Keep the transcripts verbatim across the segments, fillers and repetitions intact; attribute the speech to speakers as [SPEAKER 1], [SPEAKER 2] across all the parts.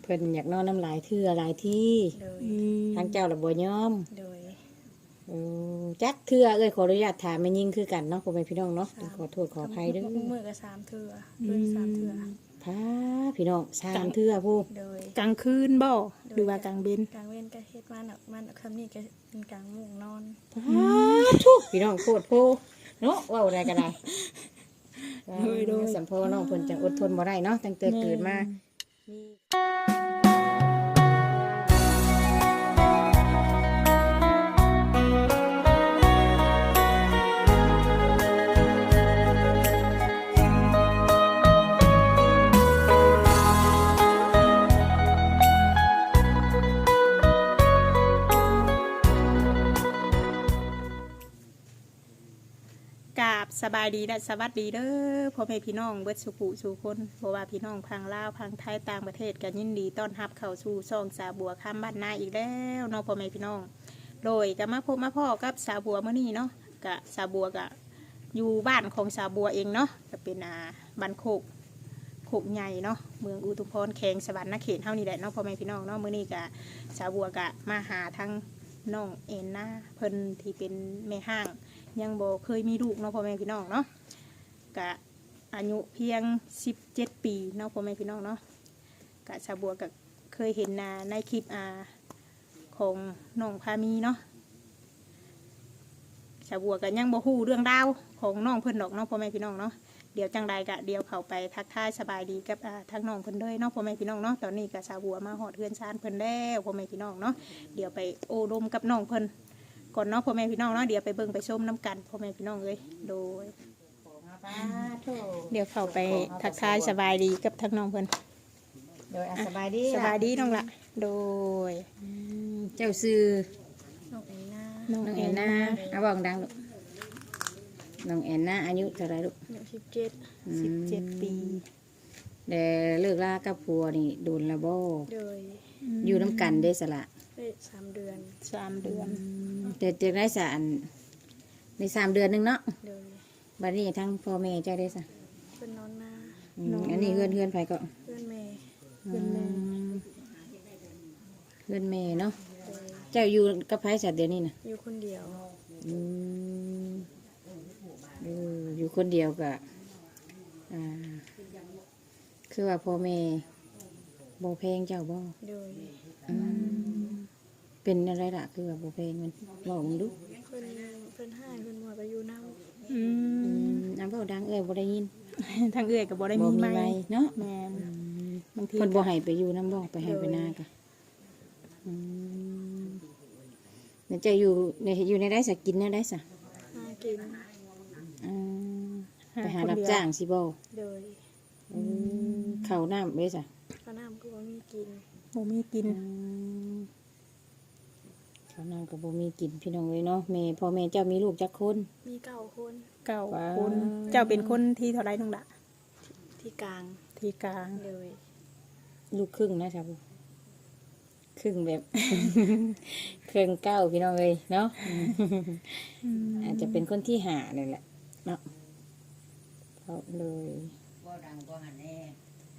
[SPEAKER 1] เพิ่นอยากนอนน้ำลายเทื่อหลายที่ทางเจ้าละบ่ยอมโดยเออจักเทื่อเอ้ยขออนุญาตถามแม่ยิ่งคือกันเนาะพ่อแม่พี่น้องเนาะขอโทษขออภัยเด้อ
[SPEAKER 2] มื้อก็สามเทื่อเพิ่นสามเทื่อ
[SPEAKER 1] พาพี่น้องสามเทื่อผู้
[SPEAKER 3] กลางคืนบ่หรือว่ากลางเว้น
[SPEAKER 2] กลางเว้นก็เฮ็ดมาน่ะมันคำนี้ก็เป็นกลางมุ้งนอน
[SPEAKER 1] พาทุกพี่น้องโคตรโพเนาะเว้าได้ก็ได้โดยสัมโพน้องเพิ่นจังอดทนบ่ได้เนาะตั้งแต่เกิดมา
[SPEAKER 3] สบายดีและสวัสดีเด้อพ่อแม่พี่น้องเบิดสุขุสู่คนเพราะว่าพี่น้องพังลาวพังไทยต่างประเทศกันยินดีต้อนรับเข้าสู่ช่องสาบัวข้ามบ้านนาอีกแล้วเนาะพ่อแม่พี่น้องโดยก็มาพบมาพ่อกับสาบัวเมื่อนี้เนาะกะสาบัวกะอยู่บ้านของสาบัวเองเนาะจะเป็นอ่าบ้านโคกโคกใหญ่เนาะเมืองอุทุมพรแขงสวรรค์นเขตเท่านี้แหละเนาะพ่อแม่พี่น้องเนาะเมื่อนี้กะสาบัวกะมาหาทั้งน้องเอ็นนาเพิ่นที่เป็นแม่ห้างยังบ่เคยมีลูกเนาะพ่อแม่พี่น้องเนาะกะอายุเพียงสิบเจ็ดปีเนาะพ่อแม่พี่น้องเนาะกะชาวบัวกะเคยเห็นนาในคลิปอาของน้องพามีเนาะชาวบัวกะยังบ่ฮู้เรื่องราวของน้องเพิ่นดอกเนาะพ่อแม่พี่น้องเนาะเดี๋ยวจังใดกะเดี๋ยวเข้าไปทักทายสบายดีกับอ่าทั้งน้องเพิ่นเลยเนาะพ่อแม่พี่น้องเนาะตอนนี้กะชาวบัวมาฮอดเฮือนชานเพิ่นแล้วพ่อแม่พี่น้องเนาะเดี๋ยวไปโอ้ลมกับน้องเพิ่นก่อนเนาะพ่อแม่พี่น้องเนาะเดี๋ยวไปเบิ่งไปชมน้ำกันพ่อแม่พี่น้องเลยโดยเดี๋ยวเข้าไปทักทายสบายดีกับทั้งน้องเพิ่น
[SPEAKER 1] โดยสบายดี
[SPEAKER 3] สบายดีน้องละโดย
[SPEAKER 1] เจ้าซื้อ
[SPEAKER 2] น้องแอนนา
[SPEAKER 1] น้องแอนนาเอาบอกดังลูกน้องแอนนาอายุเท่าไรลูก
[SPEAKER 2] อายุสิบเจ็ด
[SPEAKER 3] สิบเจ็ดปี
[SPEAKER 1] เดี๋ยวเลิกลากับผัวนี่โดนละบ่
[SPEAKER 2] โดย
[SPEAKER 1] อยู่น้ำกันได้สละ
[SPEAKER 2] ได้สามเดือน
[SPEAKER 3] สามเดือน
[SPEAKER 1] แต่จะได้สารในสามเดือนนึงเนาะ
[SPEAKER 2] โดย
[SPEAKER 1] บัดนี้ทั้งพ่อแม่เจ้าได้สะ
[SPEAKER 2] เป็นนอนนา
[SPEAKER 1] อันนี้เพื่อนเพื่อนไปก็
[SPEAKER 2] เพื่อนแม่
[SPEAKER 3] เพื่อนแม่
[SPEAKER 1] เพื่อนแม่เนาะเจ้าอยู่กับไผสัตว์เดียวนี่นะ
[SPEAKER 2] อยู่คนเดียว
[SPEAKER 1] อืมอยู่คนเดียวกะอ่าคือว่าพ่อแม่บ่เพลงเจ้าบ่
[SPEAKER 2] โดย
[SPEAKER 1] เป็นอะไรล่ะคือว่าบ่เพลงมันบอกมึงดู
[SPEAKER 2] เพิ่นเพิ่นให้เพิ่นบ่ไปอยู่นำ
[SPEAKER 3] อืม
[SPEAKER 1] อันเว้าดังเอ้ยบ่ได้ยิน
[SPEAKER 3] ทางเอ้ยก็บ่ได้มีไมค์
[SPEAKER 1] เนาะ
[SPEAKER 3] แม่น
[SPEAKER 1] บางทีเพิ่นบ่ให้ไปอยู่นำบ่ไปให้ไปนากะอืมแล้วจะอยู่ในอยู่ในได้สักกินได้ซะ
[SPEAKER 2] หากิน
[SPEAKER 1] อืมไปหารับจ้างสิบ่
[SPEAKER 2] โดย
[SPEAKER 1] อืมข้าวน้ำเด้ซะ
[SPEAKER 2] ข้าวน้ำก็บ่มีกิน
[SPEAKER 3] บ่มีกิน
[SPEAKER 1] ข้าวน้ำก็บ่มีกินพี่น้องเลยเนาะแม่พ่อแม่เจ้ามีลูกจักคน
[SPEAKER 2] มีเก้าคน
[SPEAKER 3] เก้าคนเจ้าเป็นคนที่เท่าไรน้องละ
[SPEAKER 2] ที่กลาง
[SPEAKER 3] ที่กลาง
[SPEAKER 2] เลย
[SPEAKER 1] ลูกครึ่งนะครับครึ่งแบบครึ่งเก้าพี่น้องเลยเนาะอาจจะเป็นคนที่หาเลยแหละเนาะเขาเลยบ่ดังบ่หันแน่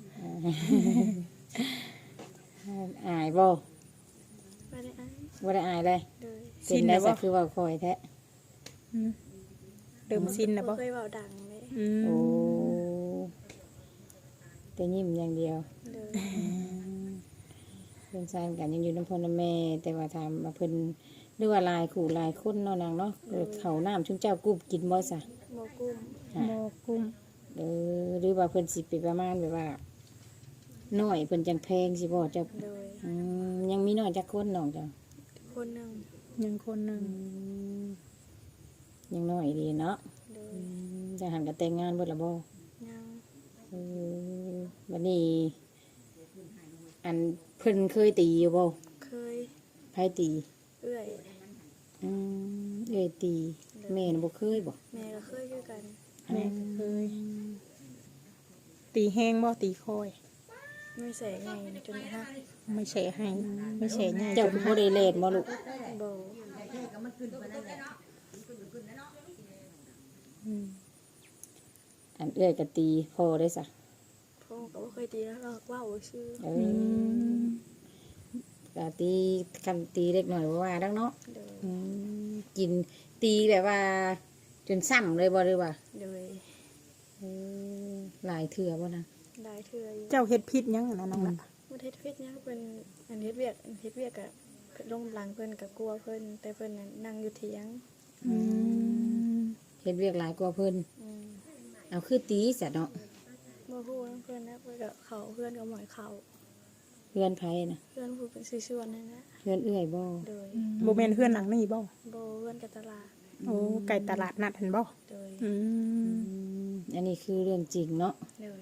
[SPEAKER 1] อายบ่
[SPEAKER 2] บ่ได้อาย
[SPEAKER 1] บ่ได้อายเลยเป็นได้สักคือว่าคอยแท้
[SPEAKER 3] เดิมซินนะบ่
[SPEAKER 2] เคยเว้าดังเลย
[SPEAKER 1] โอ้แต่ยิ้มอย่างเดียวเพิ่นสร้างกันยังอยู่น้ำพ่อน้ำแม่แต่ว่าทำมาเพิ่นหรือว่าลายขู่ลายคนเนาะนางเนาะเขาน้ำชุ่มเจ้ากุ้มกินบ่ซะ
[SPEAKER 2] บ่กุ้ม
[SPEAKER 3] บ่กุ้ม
[SPEAKER 1] เออหรือว่าเพิ่นสิไปประมาณแบบว่าน้อยเพิ่นจังแพงสิบ่จ้ะยังมีน้อยจักคนน้องจ้ะ
[SPEAKER 2] คนหนึ่ง
[SPEAKER 3] ยังคนหนึ่ง
[SPEAKER 1] ยังน้อยดีเนาะจะหันกับแต่งงานเบิดละบ่
[SPEAKER 2] ยัง
[SPEAKER 1] วันนี้อันเพิ่นเคยตีอยู่บ่
[SPEAKER 2] เคย
[SPEAKER 1] ไผตี
[SPEAKER 2] เอื้อย
[SPEAKER 1] อืมเอื้อยตีแม่น่ะบ่เคยบ่
[SPEAKER 2] แม่ก็เคยคือกัน
[SPEAKER 3] แม่เคยตีแห้งบ่ตีคอย
[SPEAKER 2] ไม่ใส่ไงจนฮะ
[SPEAKER 3] ไม่ใส่ให้ไม่ใส่ไง
[SPEAKER 1] เจ้าบ่ได้เล่นบ่ลูก
[SPEAKER 2] บ่
[SPEAKER 1] อันเอื้อยก็ตีพอได้ซะ
[SPEAKER 2] พ่อก็บ่เคยตีแล้วก็ว้าวชื่อ
[SPEAKER 1] เออก็ตีคันตีเล็กหน่อยว่าดังเนาะ
[SPEAKER 2] โดย
[SPEAKER 1] อืมกินตีแบบว่า จนซ้ำเลยบ่หรือว่า
[SPEAKER 2] โดย
[SPEAKER 1] เออหลายเถื่อบ่นะ
[SPEAKER 2] ได้เทื่ออยู่
[SPEAKER 3] เจ้าเฮ็ดพิษหยังอะนะน้องละ
[SPEAKER 2] ประเทศเวียดเนี่ยเป็นอันเฮ็ดเวียกอันเฮ็ดเวียกอะลงหลังเพิ่นกับกลัวเพิ่นแต่เพิ่นน่ะนั่งอยู่เถียง
[SPEAKER 3] อืม
[SPEAKER 1] เฮ็ดเวียกหลายกว่าเพิ่น
[SPEAKER 2] อืม
[SPEAKER 1] เอาคือตีซะเนาะ
[SPEAKER 2] บ่ฮู้นำเพิ่นนะเพิ่นก็เขาเพื่อนก็หมอยเขา
[SPEAKER 1] เพื่อนไผนะ
[SPEAKER 2] เพื่อนผู้เป็นสิชวนนั่นนะ
[SPEAKER 1] เพื่อนเอื้อยบ่
[SPEAKER 2] โดย
[SPEAKER 3] บ่แม่นเฮือนหลังนี้บ่
[SPEAKER 2] บ่เพื่อนกับตลาด
[SPEAKER 3] โอ้ไก่ตลาดนัดหั่นบ่
[SPEAKER 2] โดย
[SPEAKER 3] อืม
[SPEAKER 1] อืมอันนี้คือเรื่องจริงเนาะ
[SPEAKER 2] โดย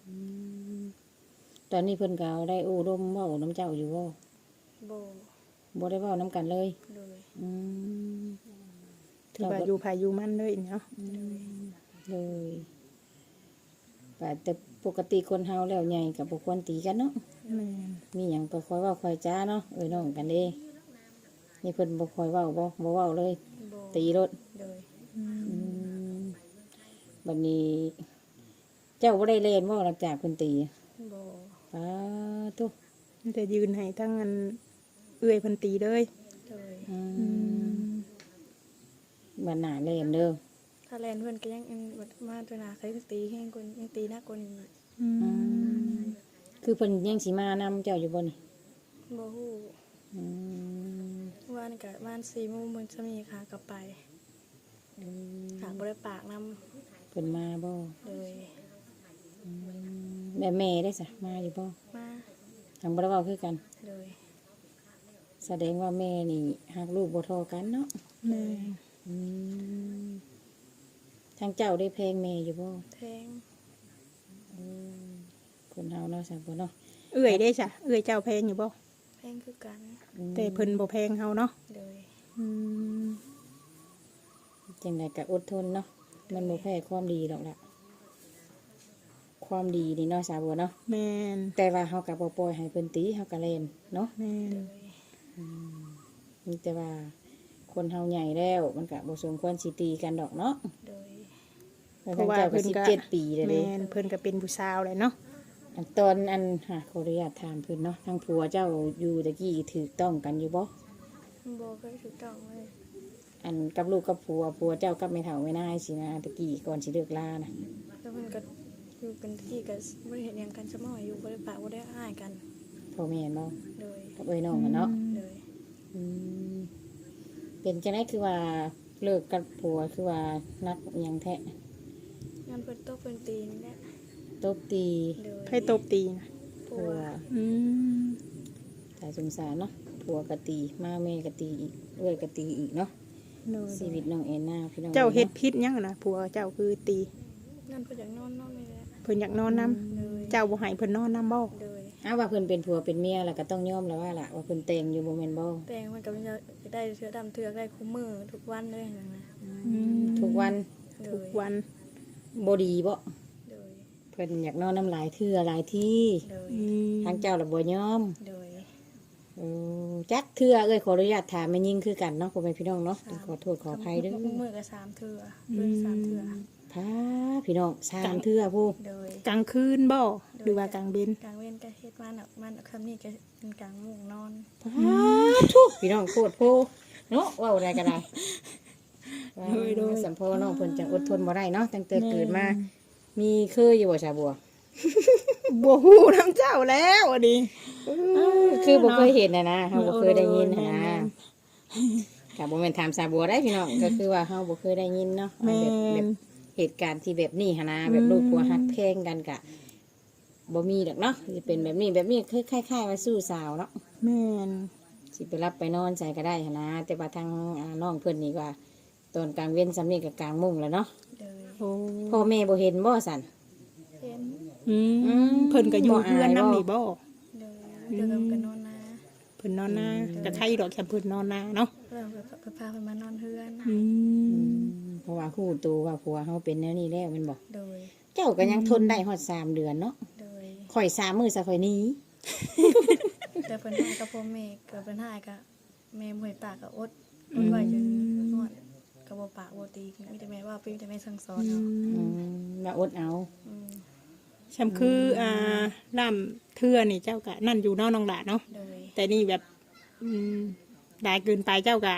[SPEAKER 1] ตอนนี้เพิ่นก็ได้โอ้ร่มเว้าน้ำเจ้าอยู่บ่
[SPEAKER 2] บ่
[SPEAKER 1] บ่ได้เว้าน้ำกันเลย
[SPEAKER 2] โดย
[SPEAKER 1] อืม
[SPEAKER 3] ถือว่าอยู่ภายอยู่มันเลยเนาะ
[SPEAKER 1] เลยแต่แต่ปกติคนเฮาแล้วใหญ่กับบ่ควรตีกันเนาะ
[SPEAKER 3] แม่น
[SPEAKER 1] มีหยังก็คอยเว้าคอยจ้าเนาะเอ้ยน้องกันเด้นี่เพิ่นบ่คอยเว้าบ่บ่เว้าเลย
[SPEAKER 2] บ่
[SPEAKER 1] ตีรถ
[SPEAKER 2] โดย
[SPEAKER 1] อืมบัดนี้ เจ้าบ่ได้เล่นบ่หลังจากเพิ่นตี
[SPEAKER 2] บ่
[SPEAKER 1] ป้าตุ
[SPEAKER 3] มันจะยืนให้ทั้งอันเอื้อยเพิ่นตีเลย
[SPEAKER 2] โดย
[SPEAKER 1] อื
[SPEAKER 3] อื
[SPEAKER 1] ม
[SPEAKER 3] ม
[SPEAKER 1] บัดหน้าเล่นเด้อ
[SPEAKER 2] ถ้าแลนเพิ่นก็ยังอันบัดมาตัวหน้าเคยตีแฮงกว่ายังตีหนักกว่านี้
[SPEAKER 3] อืม
[SPEAKER 1] คือเพิ่นยังสิมานำเจ้าอยู่บ่นี่
[SPEAKER 2] บ่ฮู้
[SPEAKER 1] อืม
[SPEAKER 2] ว่านี่ก็บ้านสี่โมงมันจะมีค่ะกลับไปหากบ่ได้ปากนำ
[SPEAKER 1] เพิ่นมาบ่
[SPEAKER 2] เลย
[SPEAKER 1] แม่แม่ได้ซะมาอยู่บ่
[SPEAKER 2] มา
[SPEAKER 1] ทางบ่ได้เว้าคือกัน
[SPEAKER 2] เลย
[SPEAKER 1] แสดงว่าแม่นี่หักลูกบ่เทอกันเนาะ
[SPEAKER 3] แม่
[SPEAKER 1] อืมทางเจ้าได้เพลงแม่อยู่บ่
[SPEAKER 2] แทง
[SPEAKER 1] อืมคนเฮาเนาะสังบ่เนาะ
[SPEAKER 3] เอื้อยได้จ้ะเอื้อยเจ้าแพงอยู่บ่
[SPEAKER 2] แทงคือกัน
[SPEAKER 1] อืม
[SPEAKER 3] แต่เพิ่นบ่แพงเฮาเนาะ
[SPEAKER 2] เลย
[SPEAKER 3] อืม
[SPEAKER 1] จังไดก็อดทนเนาะมันบ่แพ้ความดีหรอกล่ะความดีนี่เนาะสาวบัวเนาะ
[SPEAKER 3] แม่น
[SPEAKER 1] แต่ว่าเฮาก็บ่ปล่อยให้เพิ่นตีเฮาก็เล่นเนาะ
[SPEAKER 3] แม่น
[SPEAKER 2] เลย
[SPEAKER 1] มีแต่ว่าคนเฮาใหญ่แล้วมันก็บ่สมควรสิตีกันดอกเนาะ
[SPEAKER 2] เลย
[SPEAKER 1] แล้วทางเจ้าก็สิบเจ็ดปีแล้วเด้
[SPEAKER 3] แม่นเพิ่นก็เป็นผู้สาวเลยเนาะ
[SPEAKER 1] อันตอนอันหาขออนุญาตถามเพิ่นเนาะทางผัวเจ้าอยู่ตะกี้ถูกต้องกันอยู่บ่
[SPEAKER 2] บ่เคยถูกต้องเลย
[SPEAKER 1] อันกับลูกกับผัวผัวเจ้ากับแม่เฒ่าแม่นายสินะตะกี้ก่อนสิเลิกลานะ
[SPEAKER 2] แล้วมันก็อยู่กันที่ก็บ่ได้เห็นหยังกันซะหน่อยอยู่บ่ได้ปากบ่ได้อ้ายกัน
[SPEAKER 1] พ่อแม่นบ่
[SPEAKER 2] เลย
[SPEAKER 1] กับเอ้ยน้องกันเนาะ
[SPEAKER 2] เลย
[SPEAKER 1] อืมเป็นจังได๋คือว่าเลิกกับผัวคือว่านักอหยังแท้
[SPEAKER 2] งานเพิ่นตกเพิ่นตีนี่แหละ
[SPEAKER 1] ตบตี
[SPEAKER 2] เลย
[SPEAKER 3] ไผตบตีนะ
[SPEAKER 2] ผั
[SPEAKER 1] ผั
[SPEAKER 2] ว
[SPEAKER 1] ว
[SPEAKER 3] อืม
[SPEAKER 1] สายสงสารเนาะผัวก็ตีมาแม่ก็ตีอีกเอ้ยก็ตีอีกเนาะ
[SPEAKER 3] โดย
[SPEAKER 1] ชีวิตน้องแอนนาพี่น้อง
[SPEAKER 3] เจ้าเฮ็ดพิษหยังอะนะผัวเจ้าคือตี
[SPEAKER 2] งานเพิ่นอยากนอนนอนนี่แหละ
[SPEAKER 3] เพิ่นอยากนอนนํ
[SPEAKER 2] เลย
[SPEAKER 3] เจ้าบ่ให้เพิ่นนอนนํบ่
[SPEAKER 2] เลย
[SPEAKER 1] อ้าวว่าเพิ่นเป็นผัวเป็นเมียแล้วก็ต้องยอมแล้วว่าล่ะว่าเพิ่นแต่งอยู่บ่แม่นบ่
[SPEAKER 2] แต่งมันก็มันจะได้เทื่อดำเทื่อได้คู่มือทุกวันเลยนั่นนะ
[SPEAKER 3] อืม
[SPEAKER 1] ทุกวัน
[SPEAKER 2] เล
[SPEAKER 3] ทุก
[SPEAKER 2] ย
[SPEAKER 3] วัน
[SPEAKER 1] บ่ดีบ่
[SPEAKER 2] เลย
[SPEAKER 1] เพิ่นอยากนอนน้ำลายเทื่อหลายที่
[SPEAKER 2] เลย
[SPEAKER 3] อืม
[SPEAKER 1] ทางเจ้าละบ่ยอม
[SPEAKER 2] เลย
[SPEAKER 1] เออจักเทื่อเอ้ยขออนุญาตถามแม่ยิ่งคือกันเนาะพ่อแม่พี่น้องเนาะขอโทษขออภัยเด้อ
[SPEAKER 2] มือกับสามเทื่อเพื่อนสามเทื่อ
[SPEAKER 1] พาพี่น้องสามเทื่อผู้
[SPEAKER 2] เลย
[SPEAKER 3] กลางคืนบ่หรือว่ากลางเบน
[SPEAKER 2] กลางเว้นก็เฮ็ดมันอ่ะมันคำนี้ก็เป็นกลางมุ้งนอน
[SPEAKER 1] พาทุกพี่น้องโคตรผู้เนาะเว้าได้ก็ได้ว่าสัมพอน้องเพิ่นจังอดทนบ่ได้เนาะตั้งแต่เกิดมามีเคยอยู่บ่ชาบัว
[SPEAKER 3] บ่ฮู้นํเจ้าแล้วอันนี้
[SPEAKER 1] คือบ่เคยเห็นนะนะเฮาบ่เคยได้ยิน
[SPEAKER 3] แม่
[SPEAKER 1] นะ
[SPEAKER 3] น
[SPEAKER 1] กับบ่แม่นถามสาบัวได้พี่น้อง ก็คือว่าเฮาบ่เคยได้ยินเนาะ
[SPEAKER 3] แม่
[SPEAKER 1] แบบแบ
[SPEAKER 3] น
[SPEAKER 1] บเหตุการณ์ที่แบบนี้หันนะแบบลูกผัวฮักแพงกันกะบ่มีดอกเนาะสิเป็นแบบนี้แบบนี้คือคล้ายๆว่าสู้สาวเนาะ
[SPEAKER 3] แม่น
[SPEAKER 1] สิไปรับไปนอนใส่ก็ได้หันนะแต่ว่าทางอ่าน้องเพิ่นนี่ว่าตอนกลางเว้นสำนี้กับกลางมุ้งแล้วเนาะ
[SPEAKER 2] เลย
[SPEAKER 3] โอ้
[SPEAKER 1] พ่อแม่บ่เห็นบ่สั่น
[SPEAKER 2] เห็น
[SPEAKER 3] อื
[SPEAKER 1] อื
[SPEAKER 3] ม
[SPEAKER 1] ม
[SPEAKER 3] เพิ่นก็อยู่
[SPEAKER 1] บ่อาย
[SPEAKER 3] เพื่อนนํ
[SPEAKER 1] บ่
[SPEAKER 3] นี่บ่
[SPEAKER 2] เลยเพื่อนกันนอนนา
[SPEAKER 3] เพิ่นนอนนาก็ใครดอกแค่เพิ่นนอนนาเนาะ
[SPEAKER 2] เพื่อนไปพาเพื่อนมานอนเพื่อน
[SPEAKER 3] อืม
[SPEAKER 1] เพราะว่าฮู้ตัวว่าผัวเฮาเป็นแนวนี้แล้วแม่นบ่
[SPEAKER 2] โดย
[SPEAKER 1] เจ้าก็ยังทนได้ฮอดสามเดือนเนาะ
[SPEAKER 2] โดย
[SPEAKER 1] ข่อยสามมื้อซะข่อยหนี้
[SPEAKER 2] แต่เพื่อนหายกับพ่อแม่กับเพื่อนหายกับแม่มวยปากกับอดอดไว้จนนวดกับบ่ปากบ่ตีมีแต่แม่ว่ามีแต่แม่สั่งสอนเนาะ
[SPEAKER 1] อืมมาอดเอา
[SPEAKER 2] อืม
[SPEAKER 3] ชำคืออ่าล่ํเทื่อนี่เจ้าก็นั่นอยู่เนาะน้องหลาเนาะ
[SPEAKER 2] โดย
[SPEAKER 3] แต่นี่แบบอืมได้เกินไปเจ้าก็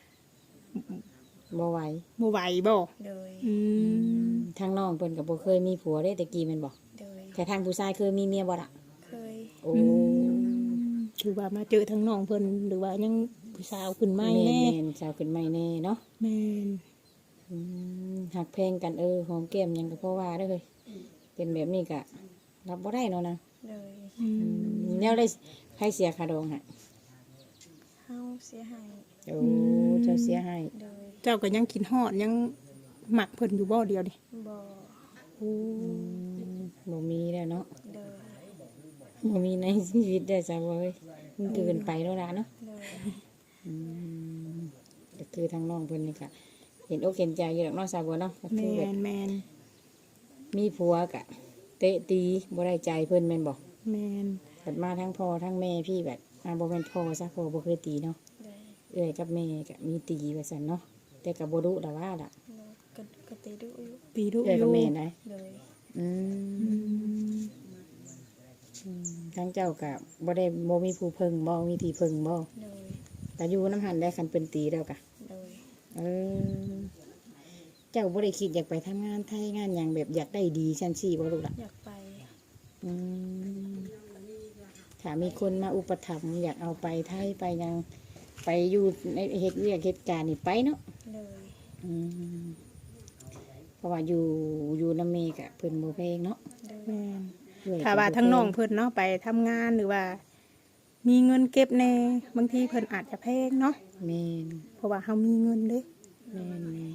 [SPEAKER 1] บ่ไหว
[SPEAKER 3] บ่ไหวบ่
[SPEAKER 2] โดย
[SPEAKER 3] อืม
[SPEAKER 1] ทางน้องเพิ่นก็บ่เคยมีผัวเด้แต่กี้แม่นบ่
[SPEAKER 2] โดย
[SPEAKER 1] แต่ทางผู้ชายเคยมีเมียบ่ล่ะ
[SPEAKER 2] เคย
[SPEAKER 1] โอ้
[SPEAKER 3] ถือว่ามาเจอทั้งน้องเพิ่นหรือว่ายังผู้สาวขึ้นใหม่
[SPEAKER 1] แม่
[SPEAKER 3] แน่
[SPEAKER 1] นๆสาวขึ้นใหม่แน่เนาะ
[SPEAKER 3] แม่น
[SPEAKER 1] อืมหักแพงกันเออหอมแก้มหยังก็เพราะว่าเด้อเฮ้ยเป็นแบบนี้ก็รับบ่ได้เนาะนะ
[SPEAKER 2] โดย
[SPEAKER 3] อืม
[SPEAKER 1] อืมแนวได้ใครเสียค่าดองให้
[SPEAKER 2] เฮาเสียหาย
[SPEAKER 1] โอ้เจ้าเสียให้
[SPEAKER 2] โดย
[SPEAKER 3] เจ้าก็ยังกินฮอดยังหมักเพิ่นอยู่บ่เดียวดิ
[SPEAKER 2] บ่
[SPEAKER 3] โอ้
[SPEAKER 1] อืมบ่มีแล้วเนาะ
[SPEAKER 2] โดย
[SPEAKER 1] บ่มีในชีวิตได้จ้ะเว้ยมันเกินไปแล้วล่ะเนาะ
[SPEAKER 2] โดย
[SPEAKER 1] อืมก็คือทางน้องเพิ่นนี่ก็เห็นอกเห็นใจอยู่ดอกเนาะสาวบัวเนาะก็คือ
[SPEAKER 3] แม่
[SPEAKER 1] แบบ
[SPEAKER 3] นแม่น
[SPEAKER 1] มีผัวกะเตะตีบ่ได้ใจเพิ่นแม่นบ่
[SPEAKER 3] แม่น
[SPEAKER 1] เกิดมาทั้งพ่อทั้งแม่พี่แบบอ่าบ่แม่นพ่อซะพ่อบ่เคยตีเนาะ
[SPEAKER 2] โดย
[SPEAKER 1] เอื้อยกับแม่ก็มีตีว่าซั่นเนาะแต่ก็บ่ดุดอกว่าล่ะ
[SPEAKER 2] โดยก็ก็ตีดุอยู่
[SPEAKER 3] ตีดุ
[SPEAKER 1] เอื้อย
[SPEAKER 3] อ
[SPEAKER 1] กับ
[SPEAKER 3] ยู่
[SPEAKER 1] แม่ได้
[SPEAKER 2] โดย
[SPEAKER 1] อื
[SPEAKER 3] อื
[SPEAKER 1] ม
[SPEAKER 3] ม
[SPEAKER 1] อืมทั้งเจ้าก็บ่ได้บ่มีผู้เพิ่งบ่มีที่เพิ่งบ่
[SPEAKER 2] โดย
[SPEAKER 1] แต่อยู่น้ำหันได้คันเพิ่นตีแล้วก็
[SPEAKER 2] โดย
[SPEAKER 1] เออเจ้าบ่ได้คิดอยากไปทำงานไทยงานหยังแบบอยากได้ดีชั้นสี่บ่ลูกล่ะ
[SPEAKER 2] อยากไป
[SPEAKER 1] อืมถ้ามีคนมาอุปถัมภ์อยากเอาไปไทยไปยังไปอยู่ในเหตุเวียกเหตุการณ์นี่ไปเนาะ
[SPEAKER 2] โดย
[SPEAKER 1] อืมเพราะว่าอยู่อยู่น้ำเมกะเพิ่นโมเพลงเนาะ
[SPEAKER 2] โดย
[SPEAKER 3] แม่น
[SPEAKER 1] เอื้อยก็
[SPEAKER 3] ถ้าว่า
[SPEAKER 1] บ่
[SPEAKER 3] ทั้งน้อง
[SPEAKER 1] แพ
[SPEAKER 3] เพิ่นเนาะไปทำงานหรือว่า มีเงินเก็บแน่บางทีเพิ่นอาจจะแพงเนาะ
[SPEAKER 1] แม่น
[SPEAKER 3] เพราะว่าเฮามีเงินเด้
[SPEAKER 1] แม่นแม่น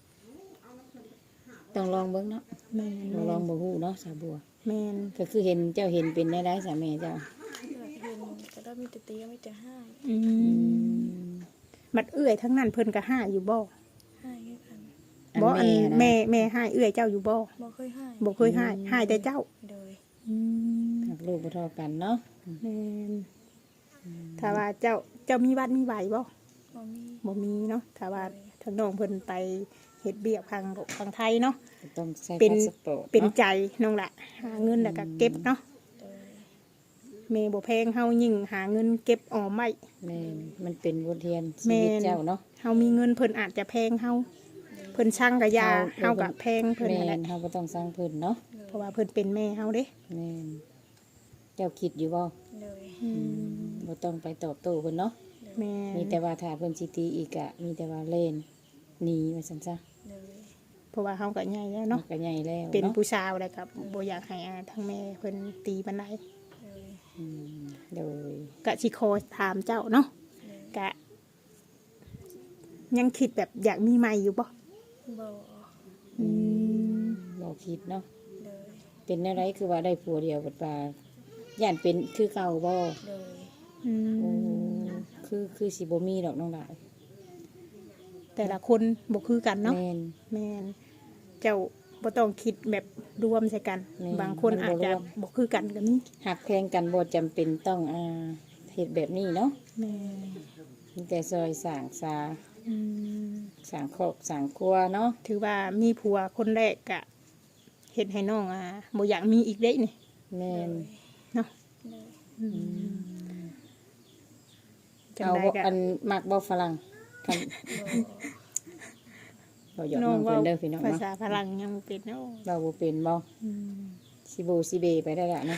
[SPEAKER 1] ต้องลองเบิ่งเนาะ
[SPEAKER 3] แม่น
[SPEAKER 1] บ่ลองบ่ฮู้เนาะสาวบัว
[SPEAKER 3] แม่น
[SPEAKER 1] ก็คือเห็นเจ้าเห็นเป็นได้ได้สามีเจ้า
[SPEAKER 2] อยากเห็นก็ได้มีแต่ตีก็มีแต่ให้
[SPEAKER 3] อื
[SPEAKER 1] อื
[SPEAKER 3] ม
[SPEAKER 1] ม
[SPEAKER 3] บัดเอื้อยทั้งนั้นเพิ่นก็ห้าอยู่บ่
[SPEAKER 2] ให้คือกัน
[SPEAKER 1] อัน
[SPEAKER 3] บ่อัน
[SPEAKER 1] นะ
[SPEAKER 3] แม่แม่ห้าเอื้อยเจ้าอยู่บ่
[SPEAKER 2] บ่เคยให้
[SPEAKER 3] บ่เคยห้าห้าแต่เจ้า
[SPEAKER 2] โดย
[SPEAKER 3] อืม
[SPEAKER 1] หักลูกบ่เท่ากันเนาะ
[SPEAKER 3] แม่นถ้าว่าเจ้าเจ้ามีวัดมีไหวบ่
[SPEAKER 2] บ่มี
[SPEAKER 3] บ่มีเนาะถ้าว่าทางน้องเพิ่นไปเฮ็ดเบี้ยทางทางไทยเนาะ
[SPEAKER 1] ต้องใช้
[SPEAKER 3] เป็น
[SPEAKER 1] พาสปอร์ต
[SPEAKER 3] เป็น
[SPEAKER 1] เนาะ
[SPEAKER 3] ใจน้องละหาเงินแล้วก็เก็บเนาะ
[SPEAKER 2] โดย
[SPEAKER 3] แม่บ่แพงเฮายิ่งหาเงินเก็บออมไว้
[SPEAKER 1] แม่นมันเป็นบทเรียนชี
[SPEAKER 3] แม่
[SPEAKER 1] วิต
[SPEAKER 3] น
[SPEAKER 1] เจ้าเนาะ
[SPEAKER 3] เฮามีเงินเพิ่นอาจจะแพงเฮาเพิ่นช่างกะยา
[SPEAKER 1] เฮา
[SPEAKER 3] เฮาก็แพงเพิ่น
[SPEAKER 1] แม่
[SPEAKER 3] นั่นแหละ
[SPEAKER 1] นเฮาบ่ต้องสร้างเพิ่นเนาะ
[SPEAKER 3] เพราะว่าเพิ่นเป็นแม่เฮาเด้
[SPEAKER 1] แม่นเจ้าคิดอยู่บ่
[SPEAKER 2] โดย
[SPEAKER 3] อืม
[SPEAKER 1] บ่ต้องไปตอบโต้เพิ่นเนาะ
[SPEAKER 3] แม่
[SPEAKER 1] มีแต่ว่าถ้าเพิ่นสิตีอีกอะมีแต่ว่าเล่นหนีว่าซั่นซะ
[SPEAKER 2] โดย
[SPEAKER 3] เพราะว่าเฮาก็ใหญ่แล้ว
[SPEAKER 1] เนาะ
[SPEAKER 3] เนาะ
[SPEAKER 1] ก็ใหญ่แล้ว
[SPEAKER 3] เป็น
[SPEAKER 1] เนาะ
[SPEAKER 3] ผู้สาวแล้วก็บ่อยากให้อาทางแม่เพิ่นตีปานใด
[SPEAKER 2] โดย
[SPEAKER 1] อืมโดย
[SPEAKER 3] ก็สิขอถามเจ้าเนาะ
[SPEAKER 2] โดย
[SPEAKER 3] ก็ยังคิดแบบอยากมีใหม่อยู่บ่
[SPEAKER 2] บ่
[SPEAKER 3] อืม
[SPEAKER 1] บ่คิดเนาะ
[SPEAKER 2] โดย
[SPEAKER 1] เป็นอะไรคือว่าได้ผัวเดียวบัดว่าย่านเป็นคือเก่าบ่
[SPEAKER 2] โดย
[SPEAKER 3] อื
[SPEAKER 1] โอ้
[SPEAKER 3] ม
[SPEAKER 1] คือคือสิบ่มีดอกน้องดาว
[SPEAKER 3] แต่ละคนบ่คือกันเนาะ
[SPEAKER 1] แม่น
[SPEAKER 3] แม่นเจ้าบ่ต้องคิดแบบรวมใส่กัน
[SPEAKER 1] แม่น
[SPEAKER 3] บางคน
[SPEAKER 1] มันบ่
[SPEAKER 3] อาจจะ
[SPEAKER 1] รวม
[SPEAKER 3] บ่คือกันก็มี
[SPEAKER 1] หักแพงกันบ่จำเป็นต้องอ่าเฮ็ดแบบนี้เนาะ
[SPEAKER 3] แม่
[SPEAKER 1] มีแต่ซอยสร้างสา
[SPEAKER 3] อืม
[SPEAKER 1] สร้างครอบสร้างครัวเนาะ
[SPEAKER 3] ถือว่ามีผัวคนแรกก็เฮ็ดให้น้องอ่าบ่อยากมีอีกเด้นี่
[SPEAKER 1] แม่น
[SPEAKER 3] เนาะ
[SPEAKER 2] โดย
[SPEAKER 3] อืมจัง
[SPEAKER 1] เอา
[SPEAKER 3] ได
[SPEAKER 1] บ่
[SPEAKER 3] ก็
[SPEAKER 1] อันมักบ่ฝรั่งคัน
[SPEAKER 2] บ่
[SPEAKER 1] บ่หยอก
[SPEAKER 3] น้
[SPEAKER 1] น้
[SPEAKER 3] อ
[SPEAKER 1] อง ง
[SPEAKER 3] เว้า
[SPEAKER 1] เพิ่นเด้อพี่น้อง
[SPEAKER 3] ภา
[SPEAKER 1] เนาะ
[SPEAKER 3] ษาฝรั่งยังบ่เป็นเนาะ
[SPEAKER 1] เราบ่เป็นบ่
[SPEAKER 3] อืม
[SPEAKER 1] สิโบสิเบไปได้ละเนาะ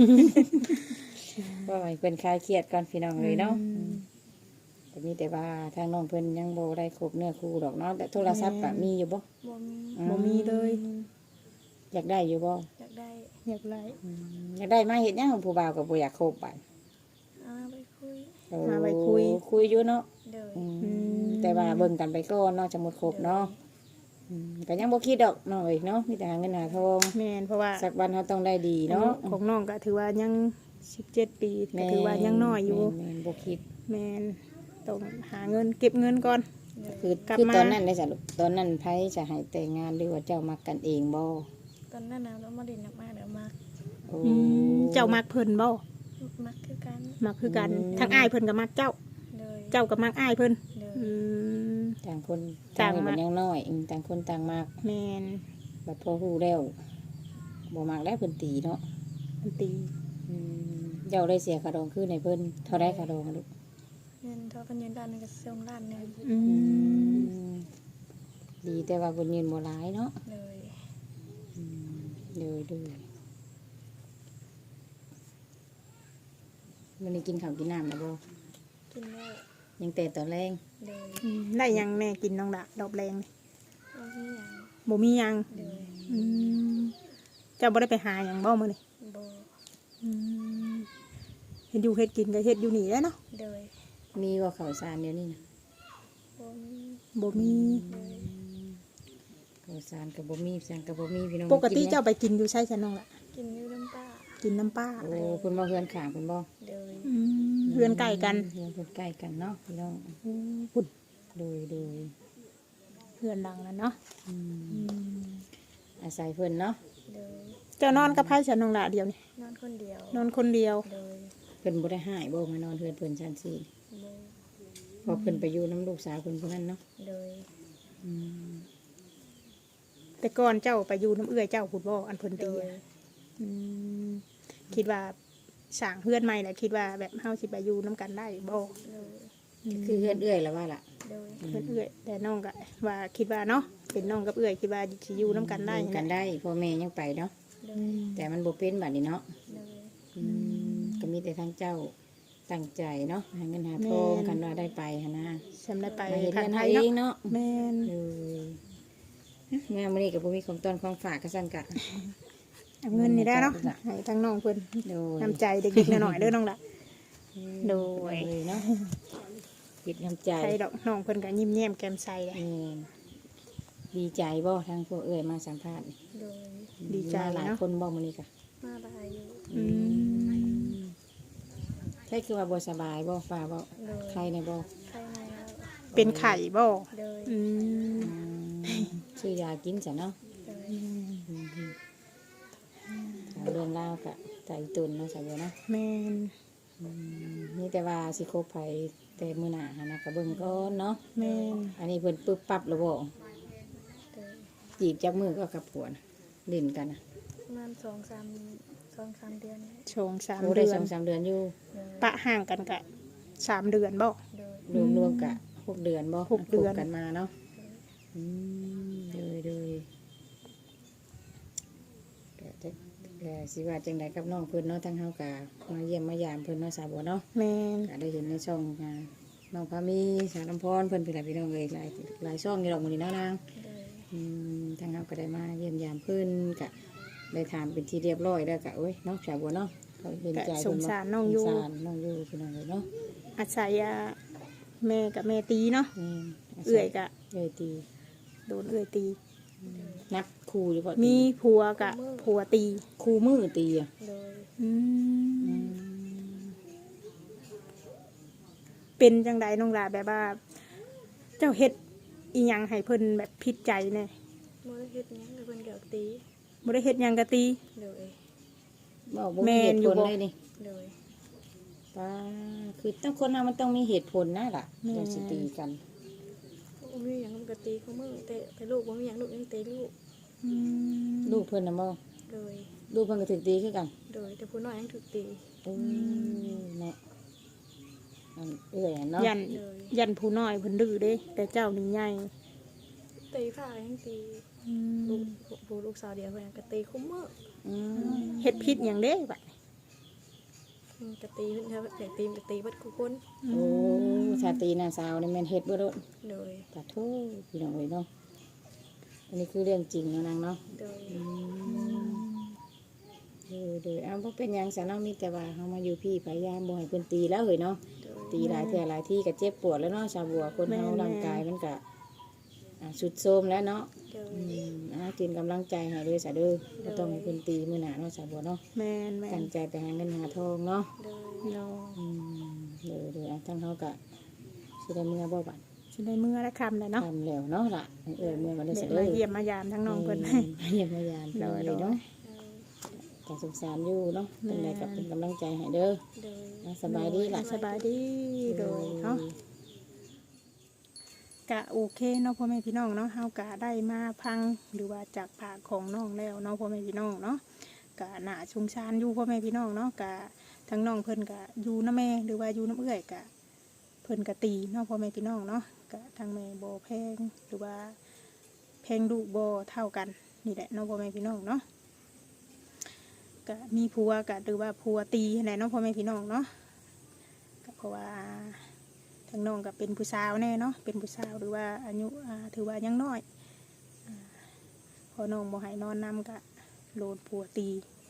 [SPEAKER 1] ว่าให้เพิ่นคลายเครียดก่อนพี่น้องเลยเนาะ
[SPEAKER 3] อืม
[SPEAKER 1] แต่มีแต่ว่าทางน้องเพิ่นยังบ่ได้ครบเนื้อคู่ดอกเนาะแต่โทรศัพท์ก็มีอยู่บ่
[SPEAKER 2] บ่มี
[SPEAKER 1] อื
[SPEAKER 3] บ่มีเลย
[SPEAKER 1] อยากได้อยู่บ่
[SPEAKER 2] อยากได้
[SPEAKER 3] อยากไล่
[SPEAKER 1] อืมอยากได้มาเฮ็ดหยังผู้บ่าวก็บ่อยากคบบัด
[SPEAKER 2] อาไปคุย
[SPEAKER 1] โอ้
[SPEAKER 3] มาไว้คุย
[SPEAKER 1] คุยอยู่เนาะ
[SPEAKER 2] โดย
[SPEAKER 1] อืม
[SPEAKER 3] อืม
[SPEAKER 1] แต่ว่าเบิ่งกันไปก่อนเนาะจะหมดครบเนาะอืมก็ยังบ่คิดดอกน้องเอ้ยเนาะมีแต่หาเงินหาทอง
[SPEAKER 3] แม่นเพราะว่า
[SPEAKER 1] สักวันเฮาต้องได้ดีเนาะ
[SPEAKER 3] ของน้องก็ถือว่ายังสิบเจ็ดปีก็ถือว่ายังน้อยอยู่
[SPEAKER 1] แม่นๆบ่คิด
[SPEAKER 3] แม่นต้องหาเงินเก็บเงินก่อน
[SPEAKER 2] โดย
[SPEAKER 1] คือก
[SPEAKER 3] ลับ
[SPEAKER 1] คือ
[SPEAKER 3] มา
[SPEAKER 1] ตอนนั้นได้จ้ะลูกตอนนั้นไผจะให้แต่งงานหรือว่าเจ้ามักกันเองบ่
[SPEAKER 2] ตอนนั้นน่ะเรามาเด่นมากๆเดี๋ยวมัก
[SPEAKER 1] โอ้
[SPEAKER 3] อืมเจ้ามักเพิ่นบ่
[SPEAKER 2] มักคือกัน
[SPEAKER 3] มักคือกัน
[SPEAKER 1] อืม
[SPEAKER 3] ทั้งอ้ายเพิ่นก็มักเจ้า
[SPEAKER 2] โดย
[SPEAKER 3] เจ้าก็มักอ้ายเพิ่น
[SPEAKER 2] โดย
[SPEAKER 3] อืม
[SPEAKER 1] ต่างคน
[SPEAKER 3] ต่า
[SPEAKER 1] ต่าง ง
[SPEAKER 3] มั
[SPEAKER 1] มั
[SPEAKER 3] ก
[SPEAKER 1] นยังน้อยอืมต่างคนต่างมาก
[SPEAKER 3] แม่น
[SPEAKER 1] บัดพอฮู้แล้วบ่มักได้เพิ่นตีเนาะ
[SPEAKER 3] มันตี
[SPEAKER 1] อืมเจ้าได้เสียค่าดองคืนให้เพิ่นเท่าได้ค่าดองอะลูก
[SPEAKER 2] เงินถ้าเพิ่นยืนด้านหนึงก็ส่งด้านหนึง
[SPEAKER 3] อื
[SPEAKER 1] อื
[SPEAKER 3] ม
[SPEAKER 1] มดีแต่ว่าเพิ่นยืนบ่หลายเนาะ
[SPEAKER 2] เลย
[SPEAKER 1] อืมเด้อเด้อวันนี้กินข้าวกินน้ำแล้วบ่
[SPEAKER 2] กินแล้ว
[SPEAKER 1] ยังแต่ตอนแรง
[SPEAKER 2] เลย
[SPEAKER 3] อืมได้หยังแม่กินน้องละดอกแรงนี่
[SPEAKER 2] บ่มีหยัง
[SPEAKER 3] บ่มีหยัง
[SPEAKER 2] เลย
[SPEAKER 3] อืมเจ้าบ่ได้ไปหาหยังบ่มื้อนี้
[SPEAKER 2] บ่
[SPEAKER 3] อืมเฮ็ดอยู่เฮ็ดกินก็เฮ็ดอยู่นี่แหล้วเนาะ
[SPEAKER 2] เลย
[SPEAKER 1] มีว่าข้าวสารเดี๋ยวนี้นะ
[SPEAKER 2] บ่มี
[SPEAKER 3] บ่มี
[SPEAKER 2] เลย
[SPEAKER 1] ข้าวสารกับบ่มีสั่งกับบ่มีพี่น้อง
[SPEAKER 3] ปกติ
[SPEAKER 1] นหยัง
[SPEAKER 3] เจ้าไปกินอยู่ใช่ซะน้องละ
[SPEAKER 2] กินอยู่น้ำป้า
[SPEAKER 3] กินน้ำป้า
[SPEAKER 1] โอ้เพิ่นบ่เฮือนข้างเพิ่นบ่
[SPEAKER 2] เลย
[SPEAKER 3] อืมเพื่อนใกล้กัน
[SPEAKER 1] เฮือนเพิ่นใกล้กันเนาะพี่น้อง
[SPEAKER 3] โอ้พุ่น
[SPEAKER 1] โดยโดย
[SPEAKER 3] เพื่อนดังแล้วเนาะ
[SPEAKER 1] อืม
[SPEAKER 3] อืม
[SPEAKER 1] อาศัยเพิ่นเนาะ
[SPEAKER 2] เลย
[SPEAKER 3] เจ้านอนกับไผซะน้องละเดียวนี่
[SPEAKER 2] นอนคนเดียวน
[SPEAKER 3] อนคนเดียว
[SPEAKER 2] เลย
[SPEAKER 1] เพิ่นบ่ได้หายบ่มานอนเฮือนเพิ่นชั้นสี่
[SPEAKER 2] บ่
[SPEAKER 1] เพราะเพิ่นไปอยู่น้ำลูกสาวเพิ่นผู้นั้นเนาะ
[SPEAKER 2] เลย
[SPEAKER 1] อืม
[SPEAKER 3] แต่ก่อนเจ้าไปอยู่น้ำเอื้อยเจ้าพูดบ่อันเพิ่น
[SPEAKER 2] เล
[SPEAKER 3] ตี
[SPEAKER 2] ย
[SPEAKER 3] อะอืมคิดว่าสร้างเพื่อนใหม่แหละคิดว่าแบบเฮาสิไปอยู่น้ำกันได้บ่
[SPEAKER 2] เลย
[SPEAKER 1] คือเฮือนเอื้อยแล้วว่าล่ะ
[SPEAKER 2] เลย
[SPEAKER 3] เพื่อนเอื้อยแต่น้องก็ว่าคิดว่าเนาะเป็นน้องกับเอื้อยคิดว่าสิอยู่น้ำกันได้
[SPEAKER 1] อยู่กัน
[SPEAKER 3] แหละ
[SPEAKER 1] ได้พ่อแม่ยังไปเนาะ
[SPEAKER 2] เล
[SPEAKER 3] อื
[SPEAKER 2] ย
[SPEAKER 3] ม
[SPEAKER 1] แต่มันบ่เป็นบัดนี้เนาะ
[SPEAKER 2] เลย
[SPEAKER 1] อืมก็มีแต่ทางเจ้าตั้งใจเนาะหาเงินหาทองกันว่าได้ไปหั่นนะ
[SPEAKER 3] สำได้ไป
[SPEAKER 1] มาเฮ็ด
[SPEAKER 3] ทา
[SPEAKER 1] เรื
[SPEAKER 3] ง
[SPEAKER 1] อน
[SPEAKER 3] ไท
[SPEAKER 1] เฮาย เอ
[SPEAKER 3] เนาะ
[SPEAKER 1] งเนาะ
[SPEAKER 3] แม่น
[SPEAKER 1] เลยงานมื้อนี้ก็บ่มีของต้อนของฝากก็ซั่นกะ
[SPEAKER 3] เอาเงินนี่ได้เนาะให้ทางน้องเพิ่น
[SPEAKER 1] โดย
[SPEAKER 3] น้ำใจเด็กๆหน่อยๆเด้อน้องละ โดย
[SPEAKER 1] เลยเนาะปิดน้ำใจ
[SPEAKER 3] ใครดอกน้องเพิ่นก็ยิ้มแย้มแก้มใสเลย
[SPEAKER 1] แม่นดีใจบ่ทางพวกเอ้ยมาสัมภาษณ์นี่
[SPEAKER 2] เลย
[SPEAKER 3] ดีใจ
[SPEAKER 1] มาหลาย
[SPEAKER 3] เนาะ
[SPEAKER 1] คนบ่มื้อนี้กะ
[SPEAKER 2] มาบายอยู่
[SPEAKER 3] อืม
[SPEAKER 1] ใช่คือว่าบ่สบายบ่ฟ้าบ่
[SPEAKER 2] เลย
[SPEAKER 1] ใครในบ่
[SPEAKER 2] ใครในแล้ว
[SPEAKER 3] เป็นไข่บ่
[SPEAKER 2] เลย
[SPEAKER 3] อืม
[SPEAKER 1] อืมชื่อยากินจ้ะเนาะ
[SPEAKER 2] เลย
[SPEAKER 1] อืมถามเรื่องราวกะใจตุนเนาะสาวบัวเนาะ
[SPEAKER 3] แม่น
[SPEAKER 1] อืมนี่แต่ว่าสิคบไผแต่มื้อหน้าหันนะก็เบิ่งก่อนเนาะ
[SPEAKER 3] แม่น
[SPEAKER 1] อันนี้เพิ่นปึ๊บปั๊บแล้วบ่
[SPEAKER 2] เลย
[SPEAKER 1] จีบจับมือก็กับผัวนะเล่นกันนะ
[SPEAKER 2] ประมาณสองสามสองสามเดือนเนี่ย
[SPEAKER 3] ชงสาม
[SPEAKER 1] โอ้ได้
[SPEAKER 3] เดือ
[SPEAKER 1] ส
[SPEAKER 3] น
[SPEAKER 1] องสามเดือนอยู่
[SPEAKER 2] เลย
[SPEAKER 3] ปะห่างกันกะสามเดือนบ่
[SPEAKER 2] เลย
[SPEAKER 1] รวมรวมๆกะหกเดือนบ่
[SPEAKER 3] หกเดือน
[SPEAKER 1] คบกันมาเนาะอืมเลยเลยก็จะก็สิว่าจังไดกับน้องเพิ่นเนาะทั้งเฮากะมาเยี่ยมมายามเพิ่นเนาะสาวบัวเนาะ
[SPEAKER 3] แม่น
[SPEAKER 1] ก็ได้เห็นในช่องอ่าน้องพามีสาวลำพรเพิ่นเป็นหลายพี่น้องเลยหลายหลายช่องอยู่ดอกมื้อนี้เนาะนาง
[SPEAKER 2] เลย
[SPEAKER 1] อืมทางเฮาก็ได้มาเยี่ยมยามเพิ่นกะได้ถามเป็นที่เรียบร้อยแล้วกะโอ้ยเนาะสาวบัวเนาะเขาเห็นใจ
[SPEAKER 3] กะส
[SPEAKER 1] เพิ่
[SPEAKER 3] ง
[SPEAKER 1] น
[SPEAKER 3] สา
[SPEAKER 1] เนาะ
[SPEAKER 3] รน้องอยู่
[SPEAKER 1] สงสารน้องอยู่พี่น้องเลยเนาะ
[SPEAKER 3] อาศัยอ่ะแม่กับแม่ตีเนาะ
[SPEAKER 1] นี่
[SPEAKER 3] เอื้อยกะ
[SPEAKER 1] เอื้อยตี
[SPEAKER 3] โดนเอื้อยตี
[SPEAKER 1] นักครูหรือเปล่า
[SPEAKER 3] มีผัวกะผัวตี
[SPEAKER 1] ครูมือตีอ่ะ
[SPEAKER 2] เลย
[SPEAKER 3] อืม
[SPEAKER 1] อืม
[SPEAKER 3] เป็นจังใดน้องลาแบบว่า เจ้าเฮ็ดอีหยังให้เพิ่นแบบผิดใจแน่
[SPEAKER 2] โมได้เฮ็ดหยังเลยเพิ่นเกี่ยวตี
[SPEAKER 3] บ่ได้เฮ็ดหยังกะตี
[SPEAKER 2] เลย
[SPEAKER 1] บอกบ่
[SPEAKER 3] แม่
[SPEAKER 1] มีเห
[SPEAKER 3] น
[SPEAKER 1] ตุ
[SPEAKER 3] อยู่
[SPEAKER 1] ผล
[SPEAKER 3] บ่
[SPEAKER 1] เลยนี่
[SPEAKER 2] เลย
[SPEAKER 1] ป้าคือต้องคนเรามันต้องมีเหตุผลนะล่ะ
[SPEAKER 3] แม่
[SPEAKER 1] เราสิตีกัน
[SPEAKER 2] บ่มีหยังมันก็ตีเขามือแต่แต่ลูกบ่มีหยังลูกยังตีลูก
[SPEAKER 3] อืม
[SPEAKER 1] ลูกเพิ่นน่ะบ่
[SPEAKER 2] เลย
[SPEAKER 1] ลูกเพิ่นก็ถูกตีคือกัน
[SPEAKER 2] เลยแต่ผู้น้อยยังถูกตี
[SPEAKER 1] อืมเนาะอันเอื้อยอะเนาะ
[SPEAKER 3] ยัน
[SPEAKER 2] เลย
[SPEAKER 3] ยันผู้น้อยเพิ่นดื้อเด้ แต่เจ้านี่ใหญ่
[SPEAKER 2] ตีผ้ายังตี
[SPEAKER 3] อื
[SPEAKER 2] ลู
[SPEAKER 3] ม
[SPEAKER 2] กผู้ลูกสาวเดียวเพิ่นก็ตีคุ้มมือ
[SPEAKER 1] อืม
[SPEAKER 3] เฮ็ดผิดหยังเด้บัดนี้
[SPEAKER 2] อืมก็ตีเพิ่นถ้าอยากตีมันก็ตีเบิดทุกคน
[SPEAKER 1] โอ้ชาตรีน่ะสาวนี่แม่นเฮ็ดบ่โดด
[SPEAKER 2] เลย
[SPEAKER 1] ปะโทพี่น้องเอ้ยเนาะอันนี้คือเรื่องจริงเนาะนางเนาะ
[SPEAKER 2] เลย
[SPEAKER 1] อืมเดูดูอ้าวบ่เป็นหยังซะเนาะมีแต่ว่าเฮามาอยู่พี่พยายามบ่ให้เพิ่นตีแล้วเฮ้ยเนาะ
[SPEAKER 2] เลย
[SPEAKER 1] ตีหลายเทื่อหลายที่ก็เจ็บปวดแล้วเนาะชาวบัวคนเฮาร่างกายมันก็อ่าสุดโทรมแล้วเนาะ
[SPEAKER 2] เลย
[SPEAKER 1] อืมอ่ากินกำลังใจให้ด้วยซะเด้อบ่ต้องให้เพิ่นตีมื้อหน้าเนาะชาวบัวเนาะ
[SPEAKER 3] แม่นแม่
[SPEAKER 1] ตั้
[SPEAKER 3] น
[SPEAKER 1] งใจไปหาเงินหาทองเนาะ
[SPEAKER 2] เลย
[SPEAKER 3] เนาะ
[SPEAKER 1] อืมเด้อเด้ออ่ะทั้งเฮาก็สิได้มื้อบ่บัด
[SPEAKER 3] สิได้มื้อละคำเลยเนาะ
[SPEAKER 1] ทำแล้วเนาะล่ะเอ้ยมื้อมันได้
[SPEAKER 3] เด็
[SPEAKER 1] ซะ
[SPEAKER 3] ก
[SPEAKER 1] เด้
[SPEAKER 3] มา
[SPEAKER 1] อ
[SPEAKER 3] เยี่ยมมายามทั้งน้องเพิ่น
[SPEAKER 1] มเยี่ยมมายาม
[SPEAKER 3] โดย
[SPEAKER 1] เลยเนาะ
[SPEAKER 2] เลย
[SPEAKER 1] ก็สงสารอยู่เนาะ
[SPEAKER 3] แม่
[SPEAKER 1] จังไดก็เป็นกำลังใจให้เด้อ
[SPEAKER 2] เลย
[SPEAKER 1] อ่ะสบายดีล่ะ
[SPEAKER 3] สบายดีโดยเนาะกะโอเคเนาะพ่อแม่พี่น้องเนาะเฮากะได้มาพังหรือว่าจากปากของน้องแล้วเนาะพ่อแม่พี่น้องเนาะกะหน้าชุงชานอยู่พ่อแม่พี่น้องเนาะกะทั้งน้องเพิ่นกะอยู่น้าแม่หรือว่าอยู่น้ำเอื้อยกะเพิ่นกะตีเนาะพ่อแม่พี่น้องเนาะกะทางแม่บ่แพงหรือว่าแพงลูกบ่เท่ากันนี่แหละเนาะพ่อแม่พี่น้องเนาะกะมีผัวกะหรือว่าผัวตีไหนเนาะพ่อแม่พี่น้องเนาะก็เพราะว่าทางน้องก็เป็นผู้สาวแน่เนาะเป็นผู้สาวหรือว่าอายุอ่าถือว่ายังน้อยอ่าพอน้องบ่ให้นอนนำกะโดนผัวตี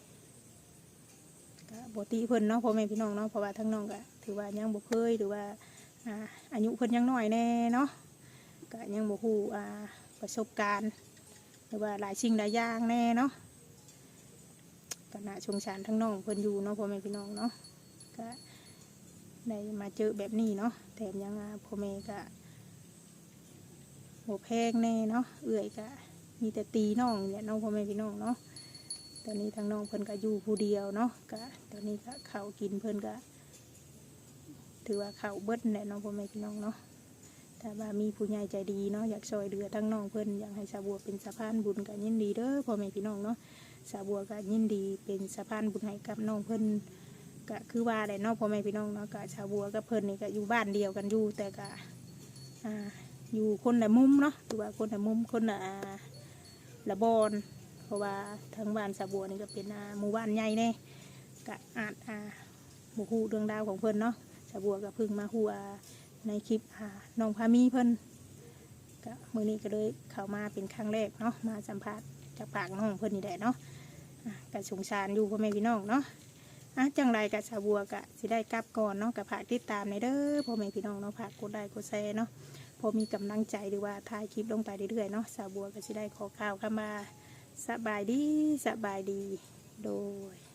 [SPEAKER 3] กะบ่ตีเพิ่นเนาะพ่อแม่พี่น้องเนาะเพราะว่าทางน้องก็ถือว่ายังบ่เคยหรือว่าอ่าอายุเพิ่นยังน้อยแน่เนาะก็ยังบ่ฮู้อ่าประสบการณ์หรือว่าหลายสิ่งหลายอย่างแน่เนาะก็น่าสงสารทั้งน้องเพิ่นอยู่เนาะพ่อแม่พี่น้องเนาะก็ได้มาเจอแบบนี้เนาะแถมยังอ่าพ่อแม่ก็บ่แพงแน่เนาะเอื้อยก็มีแต่ตีน้องเนี่ยน้องพ่อแม่พี่น้องเนาะตอนนี้ทางน้องเพิ่นก็อยู่ผู้เดียวเนาะก็ตอนนี้ก็ข้าวกินเพิ่นก็ถือว่าข้าวเบิดแหละน้องพ่อแม่พี่น้องเนาะถ้าว่ามีผู้ใหญ่ใจดีเนาะอยากช่วยเหลือทั้งน้องเพิ่นอยากให้สาวบัวเป็นสะพานบุญก็ยินดีเด้อพ่อแม่พี่น้องเนาะสาวบัวก็ยินดีเป็นสะพานบุญให้กับน้องเพิ่นก็คือว่าได้เนาะพ่อแม่พี่น้องเนาะก็สาวบัวกับเพิ่นนี่ก็อยู่บ้านเดียวกันอยู่แต่ก็อ่าอยู่คนละมุมเนาะหรือว่าคนละมุมคนละละบอนเพราะว่าทางบ้านสาวบัวนี่ก็เป็นอ่าหมู่บ้านใหญ่แน่ก็อาจอ่าบุฮู้เรื่องราวของเพิ่นเนาะสาวบัวก็เพิ่งมาฮู้อ่าในคลิปอ่าน้องพามีเพิ่นก็มื้อนี้ก็เลยเข้ามาเป็นครั้งแรกเนาะมาสัมภาษณ์จากปากน้องเพิ่นนี่แหละเนาะอ่ะก็สงสารอยู่พ่อแม่พี่น้องเนาะอ่ะจังไรกับสาวบัวก็สิได้กลับก่อนเนาะกับฝากติดตามในเด้อพ่อแม่พี่น้องเนาะฝากกดไลค์กดแชร์เนาะพอมีกำลังใจหรือว่าถ่ายคลิปลงไปเรื่อยๆเนาะสาวบัวก็สิได้ขอข่าวเข้ามาสบายดีสบายดีโดย